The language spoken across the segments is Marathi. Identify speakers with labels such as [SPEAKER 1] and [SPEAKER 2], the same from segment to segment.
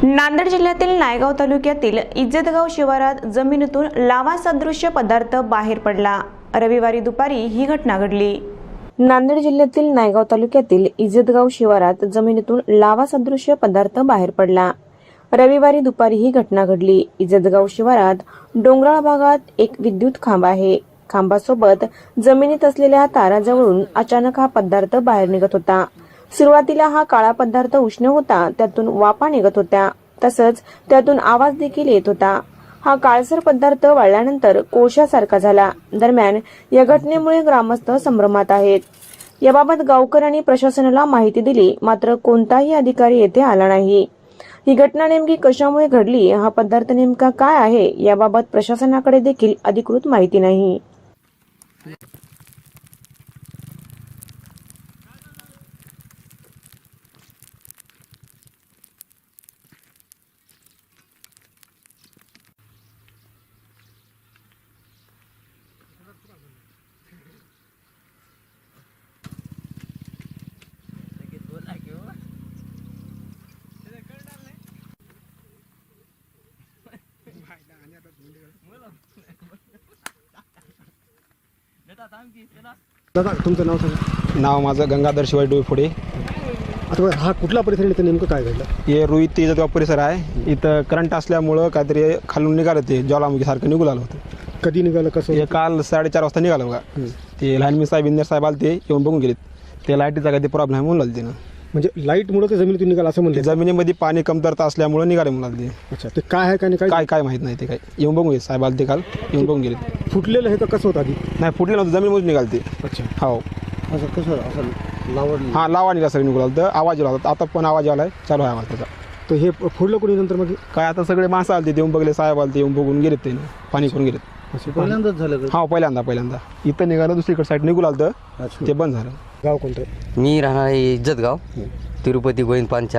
[SPEAKER 1] नांदेड जिल्ह्यातील नायगाव तालुक्यातील इज्जतगाव शिवारात जमिनीतून लावा सदृश्य पदार्थ बाहेर पडला। रविवारी दुपारी ही घटना घडली। नांदेड जिल्ह्यातील नायगाव तालुक्यातील इज्जतगाव शिवारात जमिनीतून लावा सदृश्य पदार्थ बाहेर पडला। रविवारी दुपारी ही घटना घडली। इज्जतगाव शिवारात डोंगराळ भागात एक विद्युत खांब आहे। खांबासोबत जमिनीत असलेल्या ताराजवळून अचानक हा पदार्थ बाहेर निघत होता। सुरुवातीला हा काळा पदार्थ उष्ण होता, त्यातून वाफा निघत होत्या, तसंच त्यातून आवाज देखील येत होता। हा काळसर पदार्थ वाळल्यानंतर कोळशासारखा झाला। दरम्यान या घटनेमुळे ग्रामस्थ संभ्रमात आहेत। याबाबत गावकऱ्यांनी प्रशासनाला माहिती दिली, मात्र कोणताही अधिकारी येथे आला नाही। ही घटना नेमकी कशामुळे घडली, हा पदार्थ नेमका काय आहे, याबाबत प्रशासनाकडे देखील अधिकृत माहिती नाही।
[SPEAKER 2] दादा, तुमचं नाव सांगा।
[SPEAKER 3] नाव माझं गंगाधर शिवाजी डोईफोडे।
[SPEAKER 2] आता हा कुठला परिसर आहे, इथं नेमकं काय घडलं?
[SPEAKER 3] हे रोहित इज्जतगाव परिसर आहे। इथं करंट असल्यामुळं काहीतरी खालून निघालं, ते ज्वालामुखीसारखं निघू लागलं होतं।
[SPEAKER 2] कधी निघालं, कसं?
[SPEAKER 3] हे काल 4:30 वाजता निघालं बघा। ते लाईनमॅन साहेब इंदर साहेब आले, ते येऊन बघून गेलेत। ते लाईटीचा काही प्रॉब्लेम आहे म्हणून लागले ना,
[SPEAKER 2] म्हणजे लाईटमुळे ते जमिनीतून निघालं असं म्हणले?
[SPEAKER 3] जमिनीमध्ये पाणी कमतरता असल्यामुळे निघाले म्हणाले ते।
[SPEAKER 2] अच्छा, ते काय आहे काय नाही
[SPEAKER 3] काय काय माहित नाही, ते काय येऊन बघून गेले साहेब आले, ते काल येऊन बघून गेले।
[SPEAKER 2] फुटलेलं आहे का कसं होतं आधी?
[SPEAKER 3] नाही, फुटले नव्हतं, जमिनीमधून निघाले ते।
[SPEAKER 2] अच्छा,
[SPEAKER 3] हो,
[SPEAKER 2] असं कसं असं लावड?
[SPEAKER 3] हां, लावा निघाला सगळं निघू लागलं, आवाज येऊ लागला। आता पण आवाज आलाय, चालू आहे आवाज त्याचा।
[SPEAKER 2] तर हे फोडलं कोणी नंतर? मग
[SPEAKER 3] काय आता सगळे माणसं आले, ते येऊन बघले, साहेब आले, ते येऊन बघून गेलेत, ते पाणी करून गेलेत।
[SPEAKER 2] असं पहिल्यांदाच झालं का?
[SPEAKER 3] हा, पहिल्यांदा इथं निघालं, दुसरीकडे साईड निघू लागलं, ते बंद झालं।
[SPEAKER 2] गाव कोणतं?
[SPEAKER 4] मी राहणार आहे इज्जतगाव, तिरुपती गोविंद पांचा।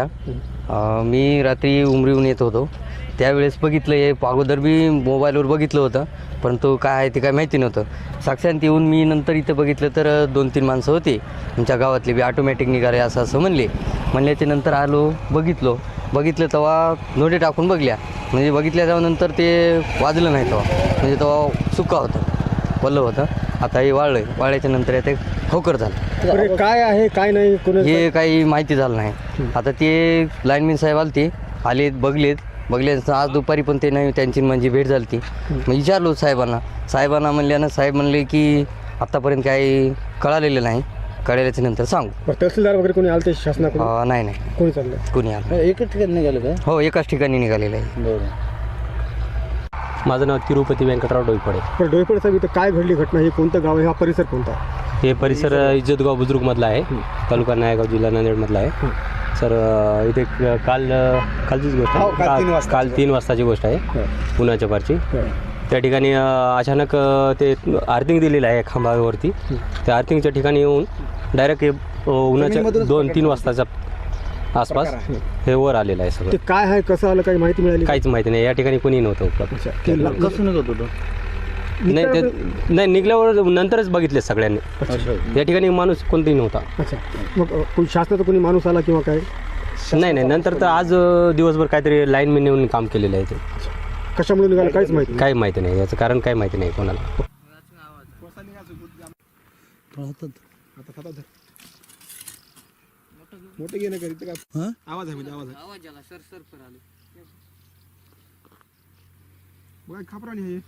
[SPEAKER 4] मी रात्री उमरीहून येत होतो, त्यावेळेस बघितलं, हे अगोदर बी मोबाईलवर बघितलं होतं, परंतु काय आहे ते काय माहिती नव्हतं। साक्षात येऊन मी नंतर इथं बघितलं तर 2-3 माणसं होती आमच्या गावातले बी, ऑटोमॅटिक निघाले असं म्हणल्याच्या नंतर आलो, बघितलं तेव्हा नोटे टाकून म्हणजे बघितल्या त्यानंतर ते वाजलं नाही तेव्हा, म्हणजे तेव्हा सुका होतं, वल्लं होतं। आता हे वाळल्याच्या नंतर ते होकर झालं।
[SPEAKER 2] काय आहे काय नाही
[SPEAKER 4] हे काही माहिती झालं नाही। आता ते लाईनमॅन साहेब आले बघले आज दुपारी पण ते नाही, त्यांची म्हणजे भेट झाली ती। मग विचारलो साहेबांना म्हणल्यानं साहेब म्हणले की आत्तापर्यंत काही कळालेलं नाही, कळल्याच्या नंतर सांगू।
[SPEAKER 2] तहसीलदार वगैरे कोणी आलं ते शासनाकडून?
[SPEAKER 4] नाही
[SPEAKER 2] कोणी चाललं?
[SPEAKER 4] कोणी आलं?
[SPEAKER 2] एकच ठिकाणी निघालं का?
[SPEAKER 4] हो, एकाच ठिकाणी निघालेलं आहे।
[SPEAKER 5] माझं नाव तिरुपती व्यंकटराव डोईफोडे।
[SPEAKER 2] पण डोईफोडे साहेब, इथं काय घडली घटना? हे कोणतं गाव आहे, हा परिसर कोणता?
[SPEAKER 5] हे परिसर इज्जतगाव बुजुर्गमधला आहे, तालुका नायगाव, जिल्हा नांदेडमधला आहे। सर, इथे कालचीच गोष्ट आहे, काल 3 वाजताची गोष्ट आहे, उन्हाच्या पारची। त्या ठिकाणी अचानक ते आर्थिंग दिलेलं आहे खांबावरती, त्या आर्थिंगच्या ठिकाणी येऊन डायरेक्ट उन्हाच्या 2-3 वाजताच्या आसपास हे वर आलेलं आहे सगळं।
[SPEAKER 2] ते काय आहे, कसं आलं, काही माहिती मिळाली?
[SPEAKER 5] काहीच माहिती नाही, या ठिकाणी कोणी नव्हतं उपलब्ध।
[SPEAKER 2] कसं निघत होतं?
[SPEAKER 5] नाही, निघल्यावर नंतरच बघितले सगळ्यांनी, या ठिकाणी माणूस कोणताही नव्हता।
[SPEAKER 2] अच्छा, मग शासनाचा कोणी माणूस आला किंवा काय?
[SPEAKER 5] नाही, नंतर तर आज दिवसभर काहीतरी लाईनमॅन येऊन काम केलेलं आहे ते।
[SPEAKER 2] कशामुळे निघालं काहीच माहिती?
[SPEAKER 5] काही माहिती नाही, याचं कारण काही माहिती नाही कोणाला।
[SPEAKER 3] मोठे घेणं करीत का? आवाज आहे, म्हणजे आवाज आला, सर आले बघा, खापराणी आहे।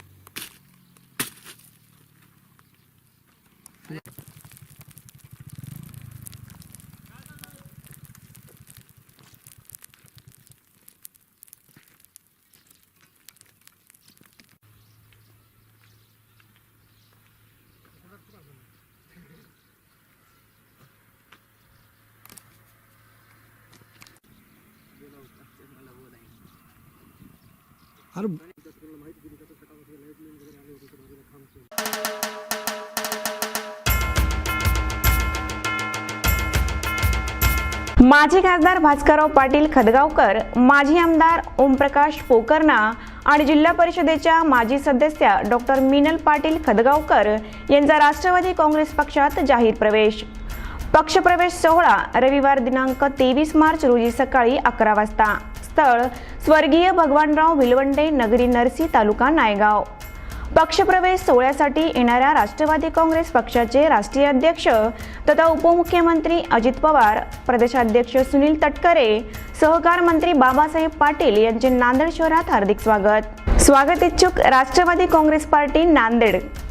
[SPEAKER 1] माजी खासदार भास्करराव पाटील खदगावकर, माजी आमदार ओमप्रकाश पोकर्णा आणि जिल्हा परिषदेच्या माजी सदस्या डॉक्टर मीनल पाटील खदगावकर यांचा राष्ट्रवादी काँग्रेस पक्षात जाहीर प्रवेश। पक्षप्रवेश सोहळा रविवार दिनांक 23 मार्च रोजी सकाळी 11 वाजता स्थळ स्वर्गीय भगवानराव विलवंडे नगरी नरसी तालुका नायगाव. पक्षप्रवेश सोहळ्यासाठी येणाऱ्या राष्ट्रवादी काँग्रेस पक्षाचे राष्ट्रीय अध्यक्ष तथा उपमुख्यमंत्री अजित पवार, प्रदेशाध्यक्ष सुनील तटकरे, सहकार मंत्री बाबासाहेब पाटील यांचे नांदेड शहरात हार्दिक स्वागत. स्वागत इच्छुक राष्ट्रवादी काँग्रेस पार्टी नांदेड